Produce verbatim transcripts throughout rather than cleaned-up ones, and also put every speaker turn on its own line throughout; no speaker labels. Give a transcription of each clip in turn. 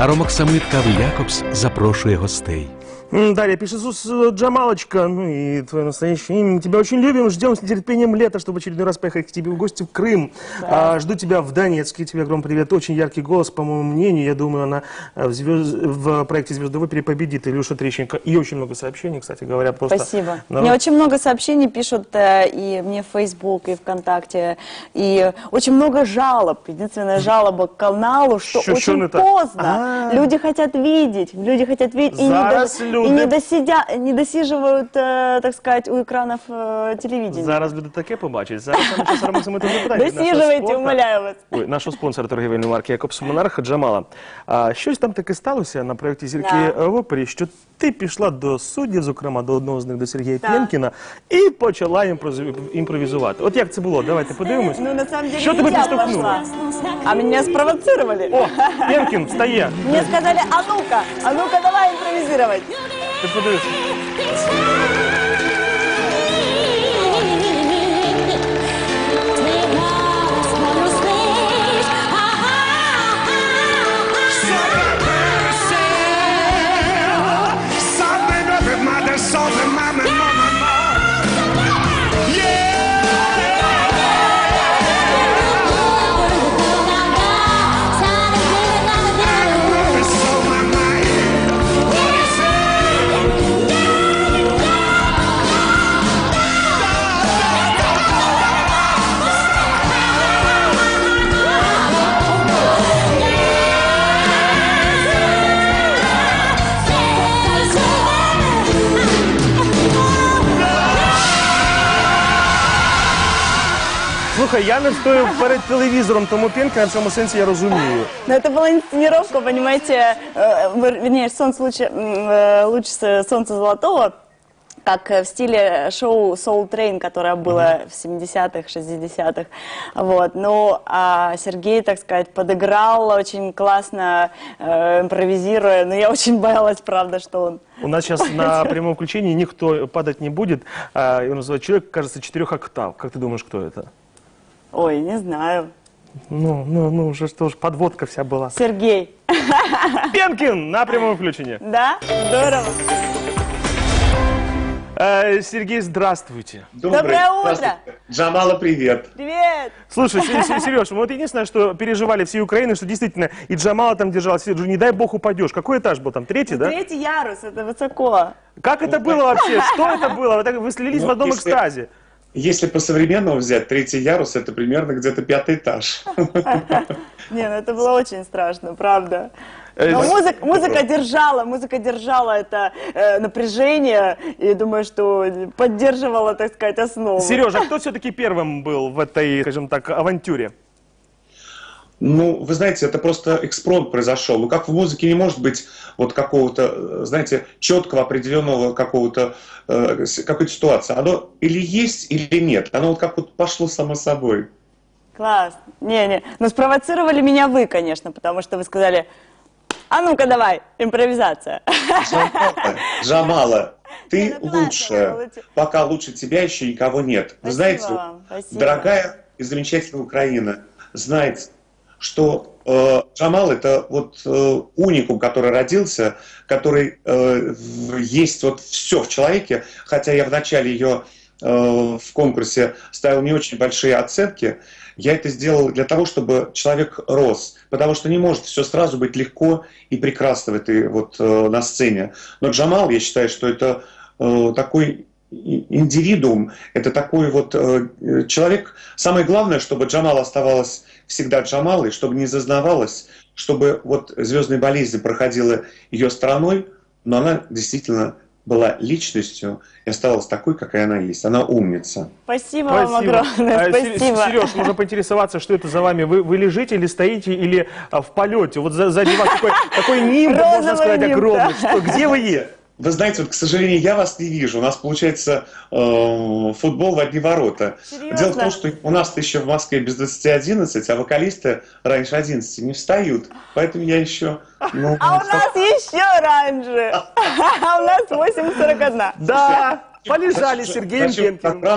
Аромоксамит Кави Якобс запрошує гостей.
Далее пишет Джамалочка, ну и твое настоящее имя. Мы тебя очень любим, ждем с нетерпением лета, чтобы в очередной раз поехать к тебе в гости в Крым. Да. А, жду тебя в Донецке, тебе огромный привет. Очень яркий голос, по моему мнению. Я думаю, она в, звезд... в проекте «Звезды в опере» победит. Илюша Трещенко. И очень много сообщений, кстати говоря. Просто
Спасибо.
народ...
Мне очень много сообщений пишут э, и мне в Facebook, и ВКонтакте. И очень много жалоб. Единственная жалоба к каналу, что
Чё,
очень
чё
поздно.
А -а -а.
Люди хотят видеть. Люди хотят видеть. И
Зараз
не,
люди...
и не, досидя... не досиживают, э, так сказать, у экранов э, телевидения.
Зараз люди таке побачать. Зараз ми зараз Аромоксамиту запитаємо.
Досиживайте, умоляю вас.
Ой, нашого спонсора торгівельної марки Якобс Монарх Джамала. А, щось там таке сталося на проєкті «Зірки
Да.
в опері», що ти пішла до суддів, зокрема до одного з них, до Сергія
Так.
Пєнкіна, і почала імпроз- імпровізувати. От як це було? Давайте подивимось.
Ну, на самом деле,
Що
не
тебе
я
підштовхнуло?
пошла, а меня спровоцировали.
О, Пєнкін, встає.
Мне сказали, а ну-ка, а ну-ка давай импровизировать.
Ти подивишся. Слухай, я не стою перед телевізором, тому Пєнкіна в цьому сенсі я розумію.
Но это была инсценировка, понимаете, э, вернее, солнце лучше, э, лучше солнца золотого, как в стиле шоу Soul Train, которое было в семидесятых, шестидесятых. Вот. Ну, а Сергей, так сказать, подыграл очень классно, э, импровизируя. Но я очень боялась, правда, что он...
У нас сейчас на прямом включении никто падать не будет. А, его называют человек, кажется, четырех октав. Как ты думаешь, кто это?
Ой, не знаю.
Ну, ну, ну, уже что ж, подводка вся была.
Сергей.
Пенкин на прямом включении.
Да? Здорово.
Э, Сергей, здравствуйте.
Доброе, Доброе утро.
Здравствуйте. Джамала, привет.
Привет.
Слушай, Сереж, вот единственное, что переживали всей Украины, что действительно и Джамала там держалась, не дай бог упадешь. Какой этаж был там? Третий, да?
Третий ярус, это высоко.
Как это было вообще? Что это было? Вы, так, вы слились
Ну,
в одном
если-
экстазе.
Если по-современному взять, третий ярус — это примерно где-то пятый этаж.
Не, ну это было очень страшно, правда.
Э,
Но
с-
музыка, музыка держала, музыка держала это э, напряжение, и думаю, что поддерживала, так сказать, основу.
Сережа, кто все-таки первым был в этой, скажем так, авантюре?
Ну, вы знаете, это просто экспромт произошел. Ну, как в музыке не может быть вот какого-то, знаете, четкого, определенного какого-то, э, с- какой-то ситуации. Оно или есть, или нет. Оно вот как вот пошло само собой.
Класс. Не-не, но спровоцировали меня вы, конечно, потому что вы сказали, а ну-ка давай, импровизация.
Джамала, Джамала, ты
Не, ну классно,
лучшая.
лучше.
Пока лучше тебя еще никого нет. Вы
Спасибо
знаете,
вам, спасибо.
дорогая и замечательная Украина, знаете, что э, Джамал — это вот э, уникум, который родился, который э, в- есть вот все в человеке, хотя я в начале ее э, в конкурсе ставил не очень большие оценки. Я это сделал для того, чтобы человек рос, потому что не может все сразу быть легко и прекрасно в этой вот э, на сцене. Но Джамал, я считаю, что это э, такой и- индивидуум, это такой вот э, э, человек. Самое главное, чтобы Джамал оставалась всегда Джамалой, чтобы не зазнавалась, чтобы вот звездная болезнь проходила ее стороной, но она действительно была личностью и оставалась такой, какая она есть. Она умница.
Спасибо, вам огромное,
А, Се-
спасибо.
Сереж, можно поинтересоваться, что это за вами? Вы, вы лежите или стоите, или а, в полете? Вот за- сзади вас такой, такой нимб, можно
Розовый
сказать,
нимб,
огромный.
да.
Что, где вы е?
Вы знаете, вот, к сожалению, я вас не вижу. У нас получается э, футбол в одни ворота.
Серьезно?
Дело в том, что у нас еще в Москве без двадцати одиннадцать, а вокалисты раньше одиннадцати не встают. Поэтому я еще... Ну,
А у нас еще раньше. А у нас восемь сорок один.
Да, полежали с
Зачем-
Сергеем
зачем так
Пенкиным.
рано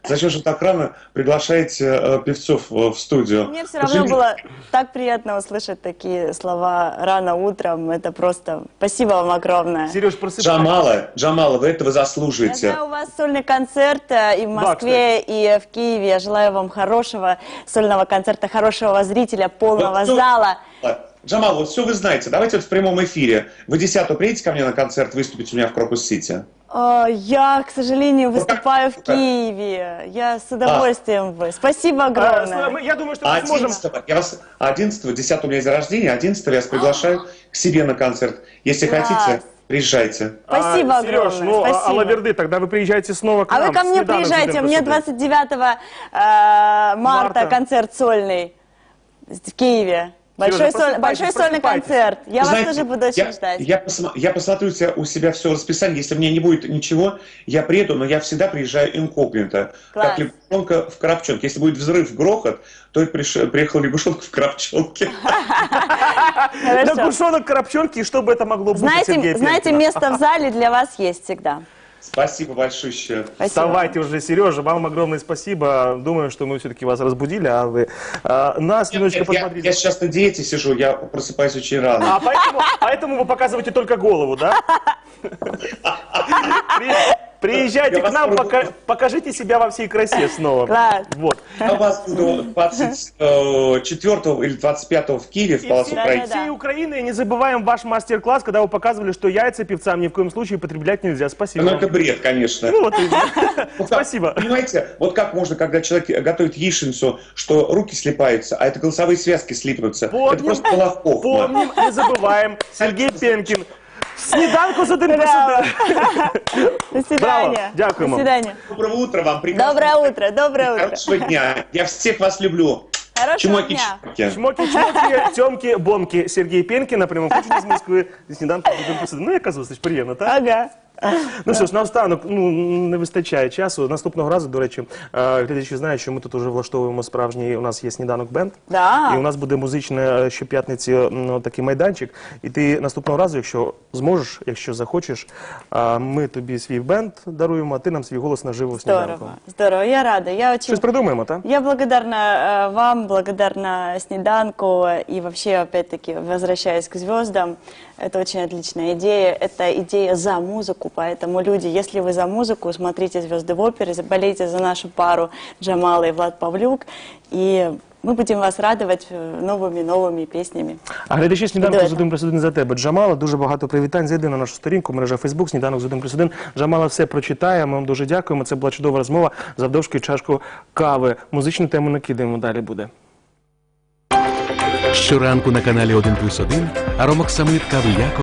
зачем же так рано приглашаете э, певцов э, в студию?
Мне все равно было так приятно услышать такие слова рано утром. Это просто спасибо вам огромное.
Сереж, просыпайся.
Джамала, Джамала, вы этого
Я
заслуживаете.
знаю, у вас сольный концерт э, и в Москве, и в Киеве. Я желаю вам хорошего сольного концерта, хорошего зрителя, полного
Вот, ну,
зала.
Джамал, вот все вы знаете. Давайте вот в прямом эфире. Вы десятого приедете ко мне на концерт выступить у меня в Крокус-Сити?
Э, Я, к сожалению, выступаю в
как?
Киеве. Я с удовольствием вы. Спасибо
А,
огромное.
мы- Я думаю, что
А
мы сможем...
одиннадцатого, я вас, одиннадцатого, десятого у меня день рождения, одиннадцатого я вас приглашаю к себе на концерт. Если
Класс.
хотите, приезжайте.
Спасибо
А, Сереж,
огромное.
ну, а-
Спасибо.
Алаверды, тогда вы приезжайте снова к
А
нам.
вы ко мне
Снеданок
приезжайте,
будем
мне
посмотреть.
двадцать девятого э, марта
Марта.
концерт сольный в Киеве. Большой,
Сережа,
соль-
просыпайтесь,
большой сольный
просыпайтесь.
концерт. Я вас
Знаете,
тоже буду очень
я,
ждать.
Я, посма- я посмотрю у себя- у себя все расписание. Если мне не будет ничего, я приеду, но я всегда приезжаю инкогнито.
Класс.
Как лягушонка в коробчонке. Если будет взрыв, грохот, то это приш- приехал лягушонка в коробчонке.
Хорошо.
Лягушонок, коробчонки, и что бы это могло быть у Сергея
Знаете, знаете,
Пенкина?
место в зале для вас есть всегда.
Спасибо большое.
Спасибо.
Вставайте уже, Сережа, вам огромное спасибо. Думаю, что мы все-таки вас разбудили, а вы а, нас немножечко
Нет, я,
подбодрили.
я сейчас на диете сижу, я просыпаюсь очень рано.
А поэтому, поэтому вы показываете только голову, да? При- Приезжайте
Я
к
вас
нам,
пробую.
пока- покажите себя во всей красе снова.
Класс.
Вот.
Я вас буду двадцать четвёртого или двадцать пятого в Киеве, в
И
Палаце
все,
Украины.
Да-да-да.
всей Украины не забываем ваш мастер-класс, когда вы показывали, что яйца певцам ни в коем случае потреблять нельзя. Спасибо.
Ну,
вам.
это бред, конечно.
Ну, вот именно.
Вот как,
Спасибо.
Понимаете, вот как можно, когда человек готовит яичницу, что руки слипаются, а это голосовые связки слипнутся.
Помним.
Это просто половков.
Помним, не забываем. Сергей Пенкин. Сніданку з один плюс
Браво.
один.
До свидания.
Браво. Дякуємо.
До свидания.
Доброго утра вам. прекрасного
Доброе утро, доброе утро.
Хорошего дня. Я всех вас люблю.
Хорошего
Чмоки,
дня.
чмоки.
Чмоки-чмоки, тьомки-бомки. Сергій Пенкін на прямому включенні з Москви. Зі сніданку з один плюс один. Ну, яка зустріч, приємно, так?
Ага.
Ну що ж, наостанок, ну, не вистачає часу. Наступного разу, до речі, е, глядачі знають, що ми тут вже влаштовуємо справжній, у нас є сніданок бенд.
Да.
І у нас буде музичний е, щоп'ятниці ну, такий майданчик. І ти наступного разу, якщо зможеш, якщо захочеш, е, ми тобі свій бенд даруємо, а ти нам свій голос наживо в сніданку.
Здорово, здорово. Я рада. Я очень...
Щось придумаємо, так?
Я благодарна э, вам, благодарна Снеданку и вообще, опять-таки, возвращаясь к звездам, это очень отличная идея. Это идея за музыку, поэтому люди, если вы за музыку, смотрите «Звезды в опере», болейте за нашу пару Джамала и Влад Павлюк, и мы будем вас радовать новыми-новыми песнями.
А глядачі «Сніданку
Дуетом.
з один плюс один» за тебе. Джамала, дуже багато привітань. Зайди на нашу сторінку, мережа Фейсбук, «Сніданок з один плюс один». Джамала все прочитає, ми вам дуже дякуємо. Це була чудова розмова. Завдовжки чашку кави. Музичну тему накидаємо, далі буде.
Щоранку на каналі один плюс один Аромок Самит Кави Якобс